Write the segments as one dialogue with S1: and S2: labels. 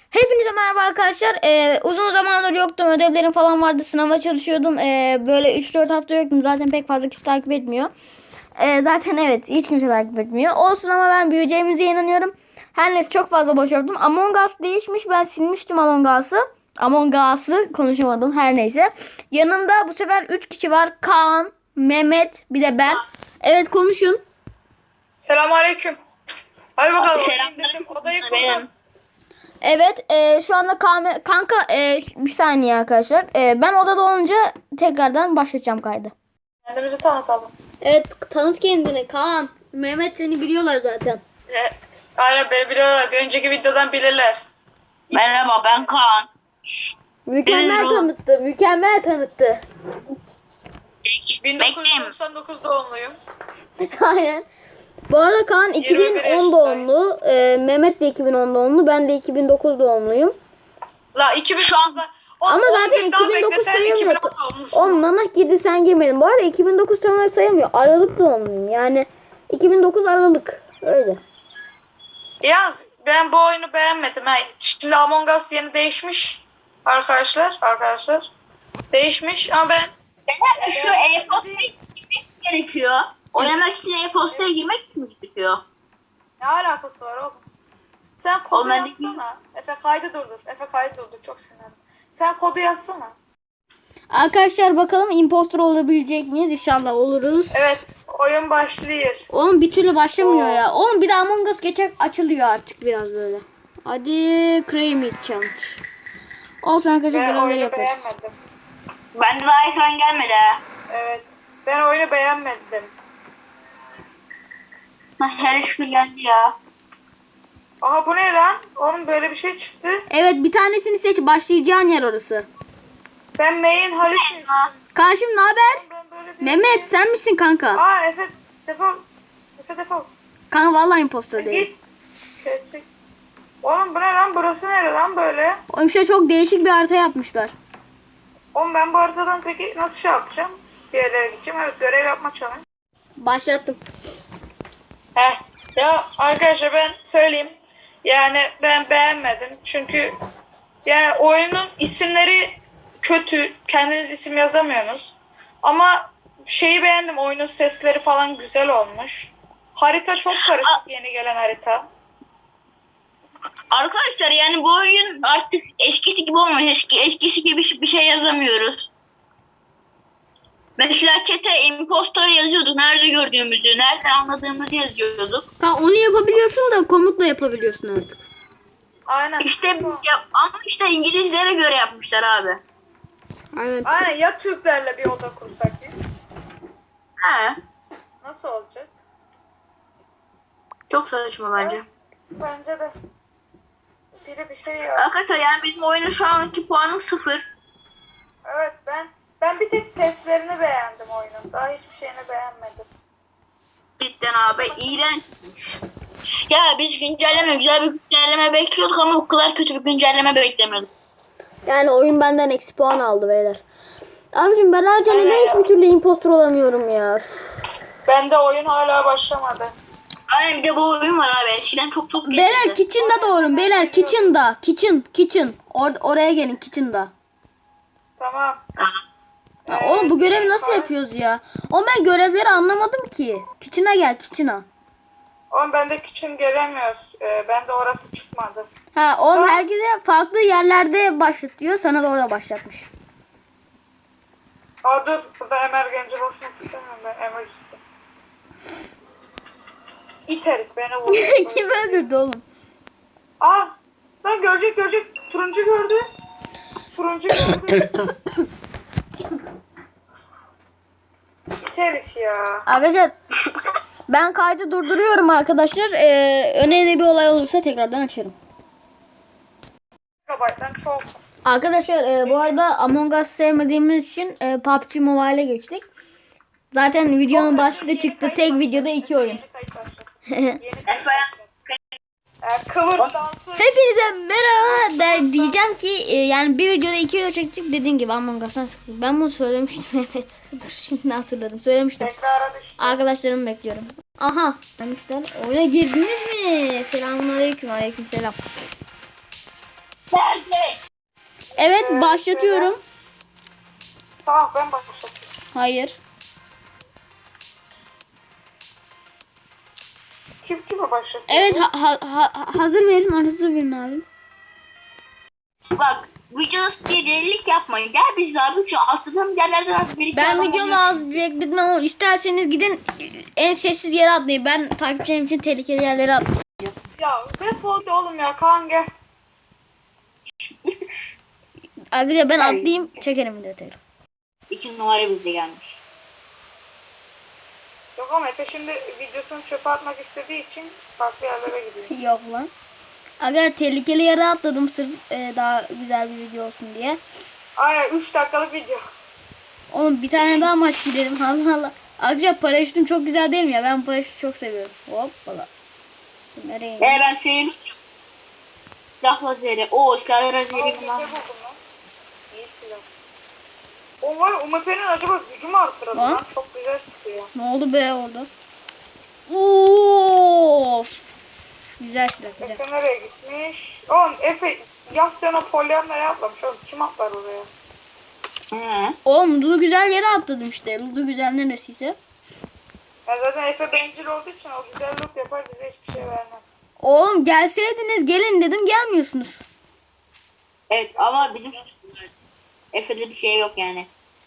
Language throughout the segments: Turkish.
S1: Hepinize merhaba arkadaşlar. Uzun zamandır yoktum. Ödevlerim falan vardı. Sınava çalışıyordum. Böyle 3-4 hafta yoktum. Zaten pek fazla kişi takip etmiyor. Zaten evet, hiç kimse takip etmiyor. Olsun ama ben büyüyeceğimize inanıyorum. Her neyse, çok fazla boş yaptım. Among Us değişmiş. Ben silmiştim Among Us'ı konuşamadım. Her neyse. Yanımda bu sefer 3 kişi var. Kaan, Mehmet, bir de ben. Evet, konuşun.
S2: Selamünaleyküm. Hadi bakalım. Dedim, odayı kurdum.
S1: Evet, şu anda kanka, bir saniye arkadaşlar. Ben odada olunca tekrardan başlatacağım kaydı.
S2: Kendimizi tanıtalım.
S1: Evet, tanıt kendini Kaan. Mehmet seni biliyorlar zaten.
S2: Aynen beni biliyorlar. Bir önceki videodan bilirler.
S3: Merhaba, ben Kaan.
S1: Mükemmel tanıttı.
S2: 1999 doğumluyum.
S1: Aynen. Bu arada Kaan
S2: 21
S1: 2010
S2: yaşındayım.
S1: doğumlu, Mehmet de 2010 doğumlu, ben de 2009 doğumluyum.
S2: La 2009'da.
S1: Ama zaten 2009 sayılmıyor. Oğlum nanak girdi, sen girmedin. Bu arada 2009 tam olarak sayılmıyor. Aralık doğumluyum. Yani 2009 Aralık. Öyle.
S2: Yalnız ben bu oyunu beğenmedim. Şimdi Among Us yeni değişmiş. Arkadaşlar. Değişmiş ama ben
S3: Şu e-postaya girmek gerekiyor. Oynamak için e-postaya girmek mi gerekiyor?
S2: ne alakası var oğlum? Sen kodu
S3: Oğlum ben de-
S2: yazsana. Efe kaydı durdur. Çok sinirlendim. Sen kodu yazsana.
S1: Arkadaşlar bakalım impostor olabilecek miyiz? İnşallah oluruz.
S2: Evet. Oyun başlıyor.
S1: Oğlum bir türlü başlamıyor ya. Oğlum bir de Among Us geçer açılıyor artık biraz böyle. Hadi Creamy Challenge. Olsun arkadaşlar,
S2: Ben
S1: görevleri
S2: oyunu
S1: yaparız.
S2: beğenmedim.
S3: Bende daha ekran gelmedi ha.
S2: Evet. Ben oyunu beğenmedim.
S3: Her şükür geldi ya.
S2: Aha bu ne lan? Oğlum böyle bir şey çıktı.
S1: Evet, bir tanesini seç, başlayacağın yer orası.
S2: Ben main Halis seçtim.
S1: Karşım ne haber?
S2: Ben böyle bir...
S1: Mehmet sen misin kanka?
S2: Aa Efe defol. Efe defol.
S1: Kanka vallahi impostor değil.
S2: Git. Kesecek. Oğlum bu ne lan? Burası nere lan böyle?
S1: Oğlum işte çok değişik bir harita yapmışlar.
S2: Oğlum ben bu haritadan peki nasıl şey yapacağım? Bir yerlere gideceğim. Evet, görev yapma challenge.
S1: Başlattım.
S2: Ya arkadaşlar ben söyleyeyim. Yani ben beğenmedim. Çünkü yani oyunun isimleri kötü. Kendiniz isim yazamıyorsunuz. Ama şeyi beğendim. Oyunun sesleri falan güzel olmuş. Harita çok karışık, yeni gelen harita.
S3: Arkadaşlar yani bu oyun artık eskisi gibi olmuyor. Eskisi gibi bir şey yazamıyoruz. Mesela chat'e impostor yazıyorduk. Nerede gördüğümüzü, nerede anladığımızı yazıyorduk.
S1: Kanka onu yapabiliyorsun da komutla yapabiliyorsun artık.
S2: Aynen.
S3: Ama işte İngilizlere göre yapmışlar abi.
S1: Aynen.
S2: Aynen, ya Türklerle bir oda kursak biz.
S3: He.
S2: Nasıl olacak?
S3: Çok saçma bence.
S2: Evet, bence de. Biri bir şey ya.
S3: Arkadaşlar yani bizim oyunun şu anki puanı 0.
S2: Evet, ben bir tek seslerini beğendim oyunun. Daha hiçbir şeyini beğenmedim.
S3: Cidden abi iğrenç. Ya biz güzel bir güncelleme bekliyorduk ama bu kadar kötü bir güncelleme beklemiyorduk.
S1: Yani oyun benden eksi puan aldı beyler. Abicim ben hala
S2: Aynen
S1: neden
S2: ya.
S1: hiçbir türlü impostor olamıyorum ya.
S2: Bende oyun hala başlamadı.
S3: Aynen bir de bu oyun var abi. Eskiden çok
S1: Beyler
S3: geçti.
S1: kitchen'da doğurun. Beyler kitchen'da. Kitchen. Oraya gelin kitchen'da.
S2: Tamam.
S1: Ya oğlum bu görevi nasıl yapıyoruz ya? Oğlum ben görevleri anlamadım ki. Kitchen'a gel kitchen'a.
S2: Oğlum bende küçün gelemiyoruz. Bende orası çıkmadı.
S1: Ha oğlum herkese farklı yerlerde başlatıyor. Sana da orada başlatmış.
S2: Aa dur. Burada emergenci basmak istemiyorum ben. Emergency. İt herif beni vurdu.
S1: Kim öldürdü oğlum?
S2: Aa. Lan görecek. Turuncu gördü. İt herif ya.
S1: Arkadaşlar ben kaydı durduruyorum arkadaşlar. Önemli bir olay olursa tekrardan açarım.
S2: Gigabyte'dan çok.
S1: Arkadaşlar bu arada Among Us sevmediğimiz için PUBG Mobile'e geçtik. Zaten videonun başlığı çıktı. Tek videoda 2 oyun.
S2: Yeni kayıt başlat. Yeni kayıt başlat. Kıvır dansı.
S1: Hepinize merhaba diyeceğim ki yani bir videoda 2 video çektik, dediğim gibi Among Us'tan sıkıldım. Ben bunu söylemiştim evet. Dur şimdi hatırladım. Söylemiştim.
S2: Tekrara düştü.
S1: Arkadaşlarımı bekliyorum. Aha. Demişler. Oyuna girdiniz mi? Selamünaleyküm. Aleykümselam. Evet başlatıyorum.
S2: Sağ ol, ben başlatıyorum.
S1: Hayır.
S2: Kim kime başlatıyor?
S1: Evet hazır verin. Hazır verin abi.
S3: Bak videosu diye delilik yapmayın. Gel biz abi şu atladığım yerlerden az bir iki
S1: Ben
S3: adam
S1: videomu
S3: oluyor.
S1: az bekletmem ama isterseniz gidin en sessiz yere atlayın. Ben takipçilerim için tehlikeli yerlere atlayacağım.
S2: Ya defol de oğlum ya, Kaan gel.
S1: Arkadaşlar ben
S3: Hayır.
S1: atlayayım çekerim detayı.
S3: 2 numara bizde gelmiş.
S2: Yok ama Efe şimdi videosunu çöpe atmak istediği için farklı yerlere gidiyor.
S1: Yok lan. Arkadaşlar tehlikeli yere atladım sırf daha güzel bir video olsun diye.
S2: Aynen 3 dakikalık video.
S1: Oğlum bir tane daha maç gidelim. Allah Allah. Arkadaşlar paraşütüm çok güzel değil mi ya? Ben paraşütü çok seviyorum. Hoppala. Nereye gidiyor?
S3: Ben sevim. Silah lazeri. Silah
S2: Aa,
S3: lazeri
S2: UMP
S3: bunlar.
S2: buldum lan. İyi silah. O var, UMP'nin acaba gücü mü arttıralım
S1: Lan.
S2: lan? Çok güzel sıkıyor.
S1: Ne oldu be orada? Of. Güzel silah güzel.
S2: Efe nereye gitmiş? Oğlum Efe Yasyana Pollyanna'ya atlamış. Oğlum kim atlar oraya?
S3: Hı.
S1: Oğlum Ludu güzel yere atladım işte. Ludu güzel neresiyse.
S2: Ya zaten Efe bencil olduğu için o güzel loot yapar, bize hiçbir şey vermez.
S1: Oğlum gelseydiniz gelin dedim gelmiyorsunuz.
S3: Evet ama bizim Efe'de bir şey yok yani.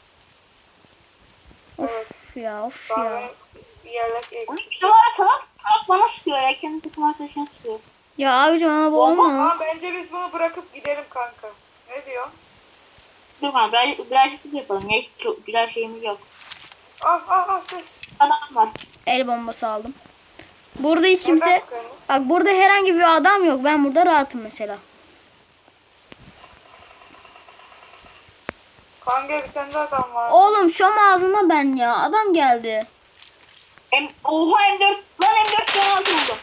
S2: Evet.
S1: Of ya of
S2: Daha
S1: ya.
S2: benim bir yerler eksik.
S3: Şu var salak bana sıkıyor ya. Kendi takım arkadaşına sıkıyor.
S1: Ya abicim ama bu olmaz.
S2: Ama bence biz bunu bırakıp gidelim kanka. Ne diyor?
S3: Dur kanka birazcık yapalım. Ya hiç çok güzel şeyimiz yok.
S2: Ses.
S3: Adam var.
S1: El bombası aldım. Burada hiç
S2: Neden
S1: kimse...
S2: sıkıyorsun?
S1: Bak burada herhangi bir adam yok. Ben burada rahatım mesela.
S2: Kanka bir tane daha adam var.
S1: Oğlum şom ağzına ben ya. Adam geldi.
S3: Oha M4. Lan M4 can altı buldum.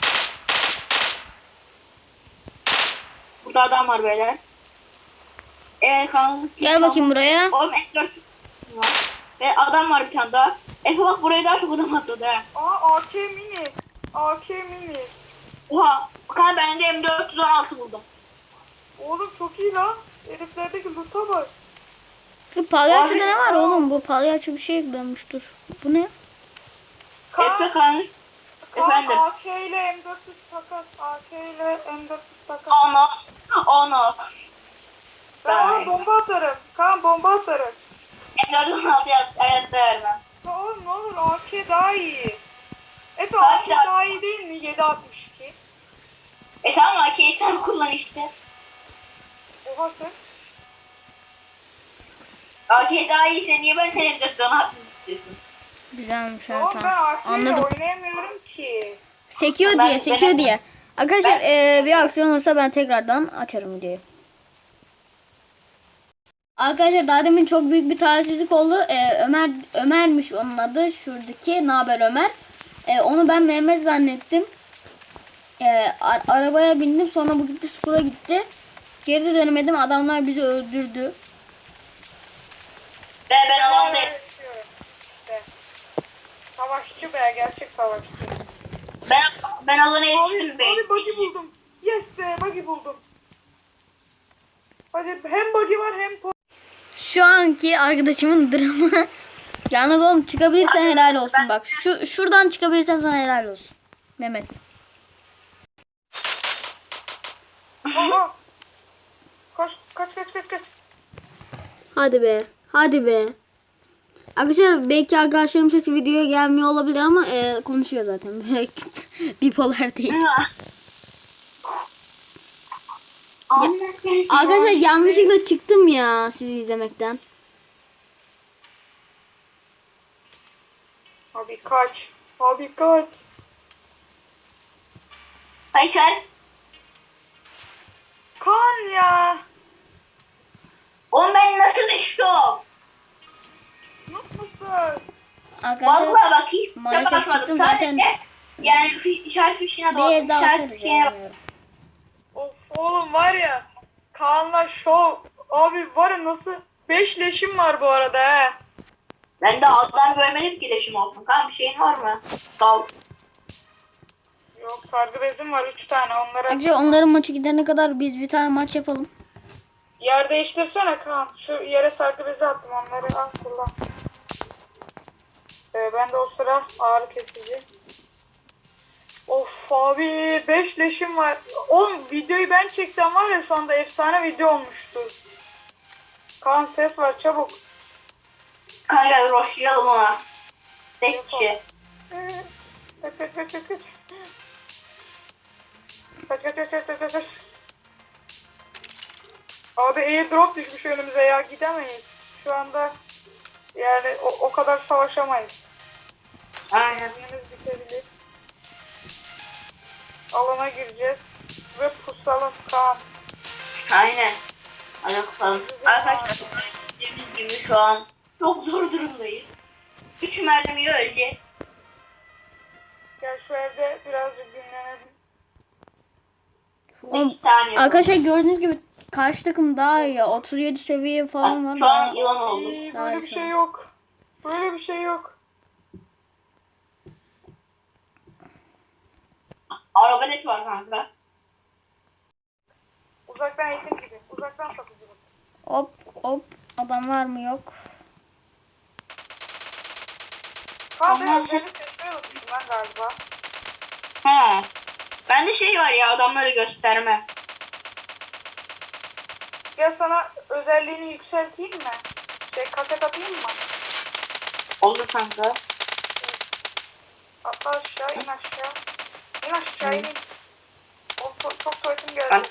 S3: Burada adam var beyler. Evet kanka.
S1: Gel bakayım buraya.
S3: Oğlum M4 var. Ve adam var bir tane daha. Efe bak buraya daha çok adam atladı ha.
S2: AK mini. AK mini.
S3: Oha. Kanka ben de M416 buldum.
S2: Oğlum çok iyi lan. Heriflerdeki loot'a bak.
S1: Bu palyaçoda
S3: Abi,
S1: ne var
S2: aa.
S1: oğlum? Bu palyaço bir şey eklemiş dur. Bu ne?
S3: Efe
S2: Kaan,
S3: kanka. Efendim.
S2: AK ile M400 takas. AK ile M400 takas.
S3: Ono.
S2: Ben ona bomba atarım. Kaan bomba atarım.
S3: M416 hayatta vermem.
S2: Ya oğlum ne olur AK daha iyi. Efe
S3: Kaç
S2: AK
S3: ya?
S2: daha iyi değil mi? 7.62.
S3: Tamam AK'yi sen kullan işte.
S2: Oha ses.
S3: AK daha iyiyse niye ben senin M416 istiyorsun?
S1: Güzelmiş ha
S2: Oğlum ben
S1: tamam.
S2: AK ile
S1: Anladım.
S2: oynayamıyorum ki.
S1: Sekiyor
S3: Ben-
S1: diye, sekiyor
S3: ben-
S1: diye. Arkadaşlar bir aksiyon olursa ben tekrardan açarım videoyu. Arkadaşlar daha demin çok büyük bir talihsizlik oldu. Ömer'miş onun adı. Şuradaki Naber Ömer. Onu ben Mehmet zannettim. Arabaya bindim. Sonra bu gitti skula gitti. Geri dönemedim. Adamlar bizi öldürdü.
S3: Ben
S2: Yalan
S3: oradayım.
S2: yaşıyorum. İşte. Savaşçı be, gerçek savaşçı.
S3: Ben alana
S2: Abi,
S3: yetiştim be.
S2: abi buggy buldum. Yes be, buggy buldum. Hadi hem buggy var hem
S1: Şu anki arkadaşımın dramı. Yalnız oğlum çıkabilirsen helal olsun bak. Şuradan çıkabilirsen sana helal olsun. Mehmet.
S2: Aha. Kaç.
S1: Hadi be. Hadi be. Arkadaşlar belki arkadaşlarım sesi videoya gelmiyor olabilir ama konuşuyor zaten. Böyle bipolar değil. Arkadaşlar yanlışlıkla çıktım ya sizi izlemekten.
S2: Abi kaç.
S3: Kaçar.
S2: Kan ya.
S3: Oğlum ben nasıl düştüm?
S2: Mutlusun.
S1: Arkadaşlar
S3: Vallahi bak hiç
S1: maalesef
S3: bakmadım.
S1: çıktım
S3: Sadece
S1: zaten.
S3: yani işaret fişine
S1: Bir el daha
S3: işaret
S1: atarız
S3: fişine
S1: ya.
S2: Of oğlum var ya. Kaan'la şov. Abi var ya nasıl. 5 leşim var bu arada he.
S3: Ben de alttan görmedim ki leşim olsun. Kan bir şeyin var mı? Sağ ol.
S2: Yok sargı bezim var 3 tane onlara.
S1: Arkadaşlar onların maçı gidene kadar biz bir tane maç yapalım.
S2: Yer değiştirsene Kaan. Şu yere sargı bezi attım, onları al kullan. Ben de o sıra ağrı kesici. Of abi 5 leşim var. Oğlum videoyu ben çeksem var ya şu anda efsane video olmuştu. Kaan ses var çabuk.
S3: Kanka roşlayalım ona. Tek kişi.
S2: Kaç kaç kaç kaç kaç. Kaç kaç kaç kaç kaç kaç kaç. Abi airdrop düşmüş önümüze ya, gidemeyiz. Şu anda yani o kadar savaşamayız.
S3: Aynen.
S2: İznimiz bitebilir. Alana gireceğiz ve pusalım Kaan.
S3: Aynen. Hadi bakalım. Arkadaşlar dediğimiz gibi şu an çok zor durumdayız. 3 mermiyi ölecek.
S2: Gel şu evde birazcık dinlenelim.
S3: 2 tane.
S1: Arkadaşlar gördüğünüz gibi karşı takım daha iyi. 37 seviye falan var.
S3: Şu an
S1: Daha...
S3: yılan oldu.
S2: İyi,
S1: Daha
S2: böyle
S1: iyi
S2: bir
S1: şu
S2: şey
S1: an.
S2: yok. Böyle bir şey yok.
S3: Arabalet var kanka.
S2: Uzaktan eğitim gibi. Uzaktan satıcılık.
S1: Hop hop. Adam var mı yok.
S2: Kaan ben
S3: Ama-
S2: özellik seçmeyi unutmuşum ben galiba.
S3: Ha. Bende şey var ya, adamları gösterme.
S2: Gel sana özelliğini yükselteyim mi? Kaset atayım mı?
S3: Oldu kanka.
S2: Atla aşağı, in aşağı. İn aşağı, in. Çok tuvaletim geldi.
S3: Ben-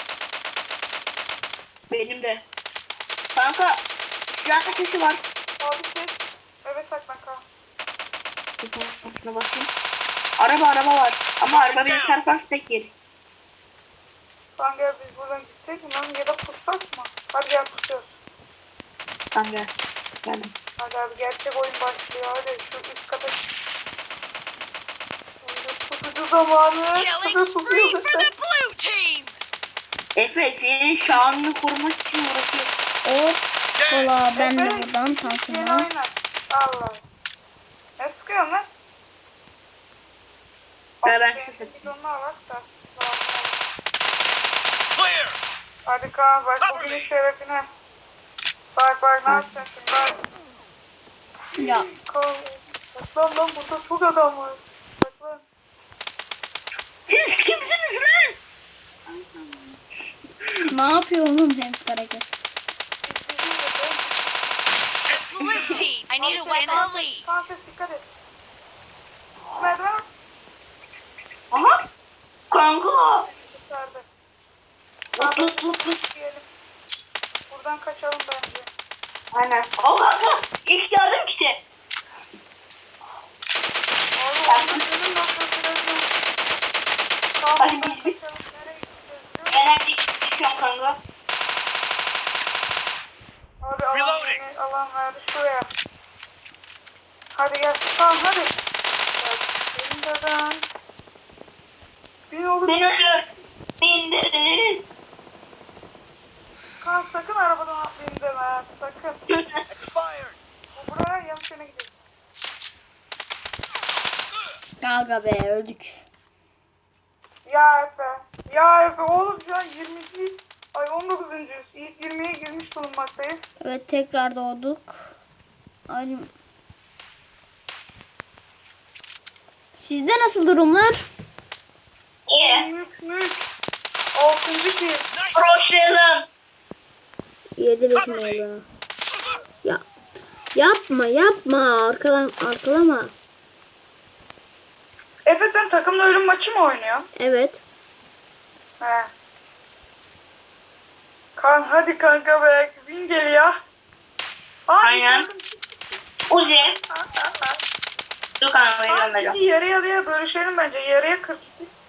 S3: Benim de. Kanka silah sesi var.
S2: Abi ses. Eve saklan Kaan.
S3: Şuna bakayım. Araba var. Ama araba beni çarparsa tek yer.
S2: Kaan gel biz buradan gitsek mi lan ya da pussak mı? Hadi gel pusuyoruz.
S3: Tamam gel. Geldim.
S2: Hadi abi gerçek oyun başlıyor. Hadi şu üst kata. Pusucu zamanı. Hadi
S4: Killing spree
S2: pusuyoruz
S4: for
S2: işte.
S4: the blue team!
S3: Efe senin şanını korumak için uğraşıyor.
S1: Hop. Kola ben de
S2: Efe,
S1: buradan
S2: Yeni
S1: tankına.
S2: oynar. Allah. Ne sıkıyorsun lan?
S3: Ben
S2: Benzin
S3: sıkıyorum.
S2: bidonunu alak da. Lazım olur.
S4: Clear!
S2: Hadi Kaan bak bugünün şerefine. Bak ne yapacaksın şimdi bak.
S1: Ya
S2: Kaan. Saklan lan burada çok adam var. Saklan.
S3: Siz kimsiniz lan?
S1: ne yapıyor oğlum James Karagöz?
S2: Biz biziz de sen.
S4: Blue team, I need a
S2: Kaan,
S4: win
S2: Kaan,
S4: the lead.
S2: Kaan ses dikkat et. Şu merdiven bak.
S3: Aha. Kanka.
S2: Kurtardı.
S3: Tut.
S2: Diyelim. Buradan kaçalım bence.
S3: Aynen. O kanka. İlk yardım kiti.
S2: Abi orada benim nasıl birazcık. Kaan
S3: Hadi
S2: buradan
S3: biz-
S2: kaçalım. Nereye gideceğiz biliyor musun?
S3: Genelde düşüyorum kanka.
S2: Abi alan
S4: Reloading.
S2: beni alan verdi şuraya. Hadi gel. Tamam hadi. Gel. Benim dedem. Bin olur.
S3: Beni öldür. İndiririz.
S2: Kaan sakın arabadan atlayayım deme. ha, Sakın.
S4: Expired!
S2: Bu buraya yanlış yöne gidiyor.
S1: Gaga be öldük.
S2: Ya Efe. Ya Efe oğlum şu an 20'ciyiz. Ay 19'uncuyuz. İlk 20'ye girmiş bulunmaktayız.
S1: Evet tekrar doğduk. Ay. Sizde nasıl durumlar?
S3: İyi.
S2: Mük. 6. ki.
S3: Roşlayalım.
S1: Yedirik meyve. Ya yapma arkalama.
S2: Efe sen takımla ölüm maçı mı oynuyorsun?
S1: Evet.
S2: He. Kan hadi kanka be. Win geliyor.
S3: Aynen. Uzi. Dur kanka beni
S2: Kaan
S3: göndereceğim.
S2: iki yarıya bölüşelim bence. Yarıya 42.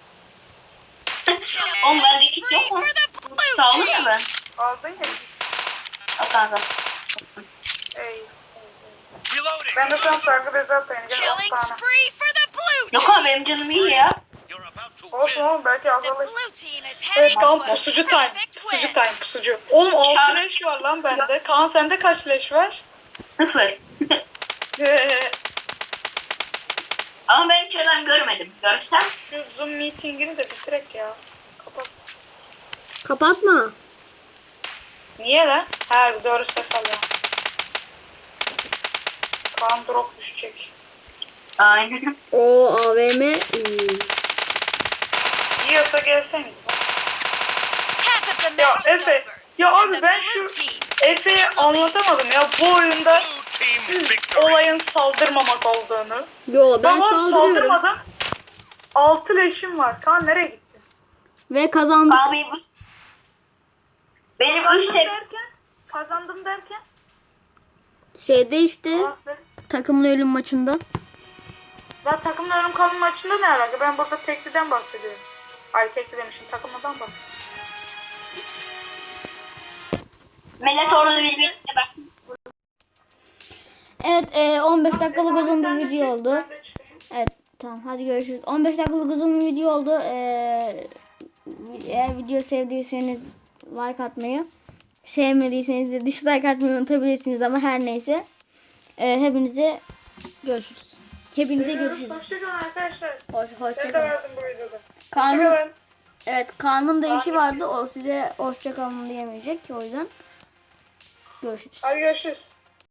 S3: Oğlum bende
S4: Killing
S3: kit
S4: spree
S3: yok mu?
S4: for the blue
S3: Sağlık ya
S4: team!
S3: ben.
S2: Aldın ya.
S3: Al kanka.
S2: Ey.
S4: Reloading!
S2: Ben de şu an sargı bezi atayım. Gel 10
S4: Killing
S2: tane.
S4: spree for the blue
S3: Yok
S4: team!
S3: abi benim canım iyi ya.
S4: You're about to
S2: Olsun oğlum belki
S4: The
S2: azalır.
S4: blue team is
S2: Evet
S4: heading
S2: Kaan
S4: to a
S2: pusucu time.
S4: perfect
S2: Pusucu
S4: win!
S2: time pusucu. Oğlum 6 leş var lan bende. Kaan sende kaç leş var?
S3: 0. Ama ben hiç adam görmedim. Görsem.
S2: Şu Zoom meetingini de bitirek ya. Kapat.
S1: Kapatma.
S2: Niye lan? Ha doğru ses alıyorum. Kaan drop düşecek.
S3: Aynen.
S1: O AVM.
S2: Yiyorsa gelsene.
S4: Half of the
S2: Ya
S4: match is
S2: Efe.
S4: over.
S2: Ya
S4: And
S2: abi
S4: the
S2: ben
S4: blue
S2: şu
S4: team
S2: Efe'ye anlatamadım ya bu oyunda
S4: Blue team victory.
S2: olayın saldırmamak olduğunu.
S1: Yo ben
S2: Babam
S1: saldırıyorum.
S2: saldırmadım. 6 leşim var. Kaan nereye gitti?
S1: Ve kazandık.
S3: Abi benim 3
S2: Kazandım derken?
S1: Şeyde işte
S2: Aa, ses.
S1: takımın ölüm maçında.
S2: Ya takımın ölüm kalım maçında ne alaka? Ben burada tekliden bahsediyorum. Ay tekli demişim takımdan bahsediyorum.
S3: Melek orada bir bak.
S1: Evet 15 dakikalık
S2: Abi
S1: uzun
S2: sen
S1: bir
S2: de
S1: video
S2: çek,
S1: oldu.
S2: ben de çıkayım.
S1: Evet tamam hadi görüşürüz. 15 dakikalık uzun bir video oldu. Eğer video sevdiyseniz like atmayı, sevmediyseniz de dislike atmayı unutabilirsiniz ama her neyse. Hepinize görüşürüz. Hepinize görüşürüz.
S2: Hoşçakalın arkadaşlar. Ben de
S1: Hoşçakalın.
S2: vardım bu videoda.
S1: Kaan'ın,
S2: Hoşçakalın.
S1: evet Kaan'ın da işi
S2: Kaan-
S1: vardı. O size hoşçakalın diyemeyecek. O yüzden görüşürüz.
S2: Hadi görüşürüz.